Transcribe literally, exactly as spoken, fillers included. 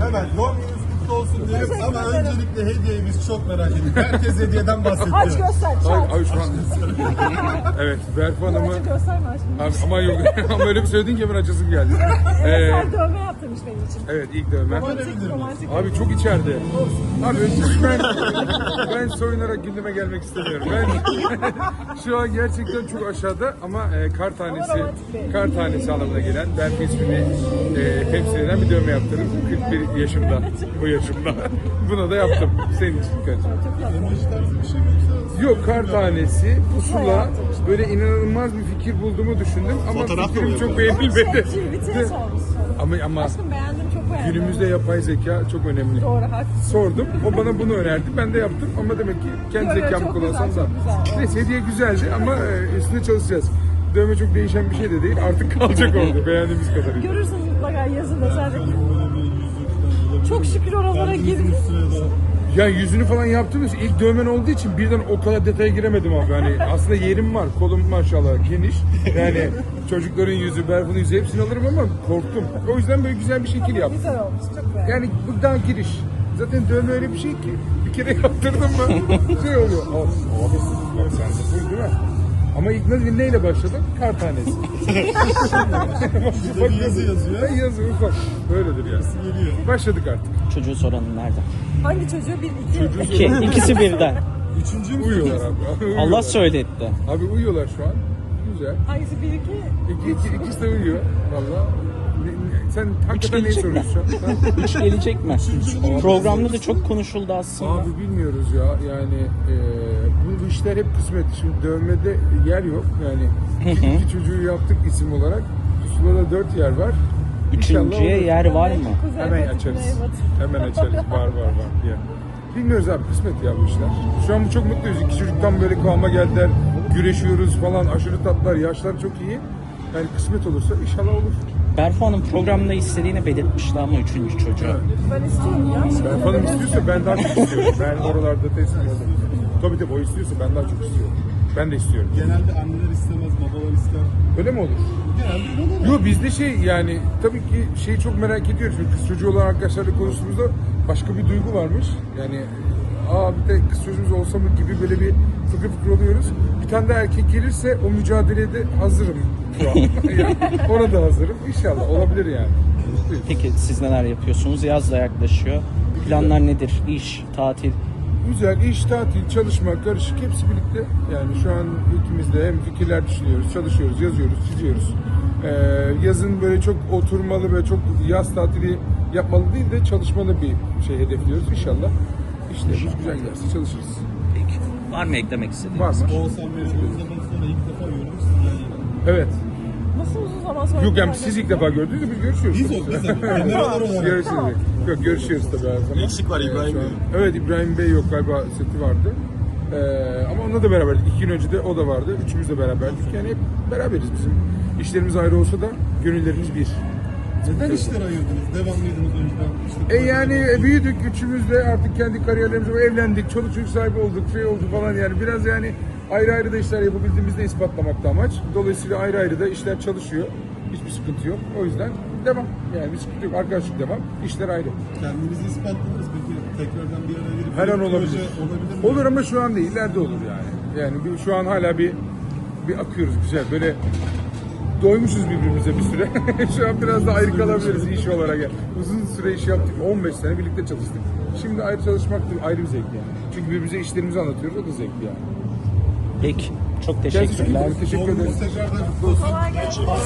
Hemen doğum gününüz kutlu olsun diyelim ama öncelikle hediyemiz çok merak ediyorum. Herkes hediyeden bahsediyor. Aç göster, Ay, çat. ay şu an. Evet, Berfu Hanım'ı... Açı gösterme aşkım. Abi, ama yok, ama öyle bir söyledin ki hemen açasım geldi. Evet, Ee, sen dövme yaptırmış benim için. evet, ilk dövme. Romantik, romantik. Abi çok içeride. Abi ben, ben soyunarak gündeme gelmek istemiyorum. Ben şu an gerçekten çok aşağıda ama e, kar tanesi, kar tanesi anlamına gelen Berfu ismini e, temsil eden bir dövme yaptırdım. kırk bir yaşımda, bu yaşımda. Buna da yaptım. Senin için kaç? Yok, kar tanesi, pusula, böyle inanılmaz bir fikir bulduğumu düşündüm ama Fotoğraf da fikrim mı çok yapıyorsun? beğenilmedi. Tweet'e sormuşsun. Ama ama Aşkım beğendim, çok beğendim. günümüzde yapay zeka çok önemli. Doğru, haklısın. Sordum, o bana bunu önerdi, ben de yaptım ama demek ki kendi Yok, yok, zekamı çok kullansam güzel, da. çok güzel. Neyse, hediye güzeldi ama e, üstüne çalışacağız. Dövme çok değişen bir şey de değil, artık kalacak orada beğendiğimiz kadarıyla. Görürsünüz mutlaka yazın özellikle. Çok şükür oralara girdik. Ya yüzünü falan yaptığımız ilk dövmen olduğu için birden o kadar detaya giremedim abi. Hani aslında yerim var, kolum maşallah geniş. Yani çocukların yüzü, Berfu'nun yüzü hepsini alırım ama korktum. O yüzden böyle güzel bir şekil yaptım. Güzel olmuş, çok beğendim. Yani bu daha giriş. Zaten dövme öyle bir şey ki bir kere yaptırdın mı şey oluyor. Abi, abi sen de full değil mi? Ama ilk nasıl neyle başladım? Kar tanesi. Bir de bir yazı yazıyor. Ben yazı ufak. Böyledir yani. Geliyor. Başladık artık. Çocuğu soranın nerede? Hangi çocuğu? Bir, iki. Çocuğu İki, soran- ikisi birden. Üçüncü mü? Uyuyorlar abi. Uyuyorlar. Allah söyletti. Abi uyuyorlar şu an. Güzel. Hangisi? Bir, iki. İki, iki, ikisi de uyuyor. Valla. Ne- ne- Sen hakikaten neyi gelecek mi? soruyorsun şu an? Ha? Üç gelecek mi? Programda da çok konuşuldu aslında. Abi bilmiyoruz ya. Yani e, bu, bu işler hep kısmet. Şimdi dövmede yer yok. Yani iki, iki çocuğu yaptık isim olarak. Pusulada dört yer var. İnşallah Üçüncüye olur. yer var mı? Kuzey Hemen batı, açarız. güney batı. Hemen açarız. Var var var diye. Bilmiyoruz abi, kısmet ya bu işler. Şu an bu çok mutluyuz. İki çocuktan böyle kıvama geldiler. Güreşiyoruz falan. Aşırı tatlılar. Yaşlar çok iyi. Yani kısmet olursa inşallah olur. Berfu Hanım programda istediğini belirtmişti ama üçüncü çocuğu. Ben istiyorum ya. Ben falan istiyorsa ben daha çok istiyorum. Ben oralarda teslim oldum. Tabii tabii o istiyorsa ben daha çok istiyorum. Ben de istiyorum. Genelde anneler istemez, babalar ister. Öyle mi olur? Genelde böyle. Yok bizde şey yani tabii ki şeyi çok merak ediyoruz. Çünkü kız çocuğu olan arkadaşlarla konuştuğumuzda başka bir duygu varmış. Yani aa bir de kız çocuğumuz olsa mı gibi böyle bir fıkır fıkır oluyoruz. Bir tane de erkek gelirse o mücadelede hazırım şu an. Yani ona da hazırım. İnşallah olabilir yani. Mutluyuz. Peki siz neler yapıyorsunuz? Yaz da yaklaşıyor. Planlar nedir? İş, tatil? Güzel, iş, tatil, çalışma, karışık hepsi birlikte. Yani şu an ikimiz de hem fikirler düşünüyoruz, çalışıyoruz, yazıyoruz, çiziyoruz. Ee, yazın böyle çok oturmalı ve çok yaz tatili yapmalı değil de çalışmalı bir şey hedefliyoruz inşallah. İşlerimiz güzel giderse çalışırız. Peki. Var mı eklemek istediğiniz? Var mı? Oğuzhan Bey'i uzun zaman sonra ilk defa görüyoruz. Yani Evet. Nasıl uzun zaman sonra? Yok yani siz ilk defa gördünüz de biz görüşüyoruz. Biz o, biz de. Genel olarak. Görüşürüz. Yok görüşüyoruz tabii her zaman. Eksik var İbrahim Şu an- Bey. Evet İbrahim Bey yok galiba seti vardı. Ee, ama onunla da beraberdik. İki gün önce de o da vardı. Üçümüz de beraberdik. Yani hep beraberiz bizim. İşlerimiz ayrı olsa da gönüllerimiz bir. Neden işler ayırdınız? Devamlıydınız önceden. İşte E yani e, büyüdük üçümüz de artık kendi kariyerlerimize evlendik. Çoluk çocuk sahibi olduk. Şey oldu falan yani biraz yani ayrı ayrı da işler yapabildiğimizde ispatlamakta amaç. Dolayısıyla ayrı ayrı da işler çalışıyor. Hiçbir sıkıntı yok. O yüzden devam. Yani bir sıkıntı yok. Arkadaşlık devam. İşler ayrı. Kendinizi ispatladınız. Peki tekrardan bir araya gelip Her bir an proje olabilir. olabilir mi? Olur ama şu an değil. İleride olur yani. Yani bir, şu an hala bir bir akıyoruz güzel. Böyle doymuşuz birbirimize bir süre. Şu an biraz da ayrı kalabiliriz iş olarak. Yani. Uzun süre iş yaptık. on beş sene birlikte çalıştık. Şimdi ayrı çalışmak da ayrı bir zevk yani. Çünkü birbirimize işlerimizi anlatıyoruz. O da zevkli yani. Peki. Çok Kendinize çok iyi teşekkürler. bakın. Teşekkür Doğum günü ederiz. tekrardan Kolay gelsin.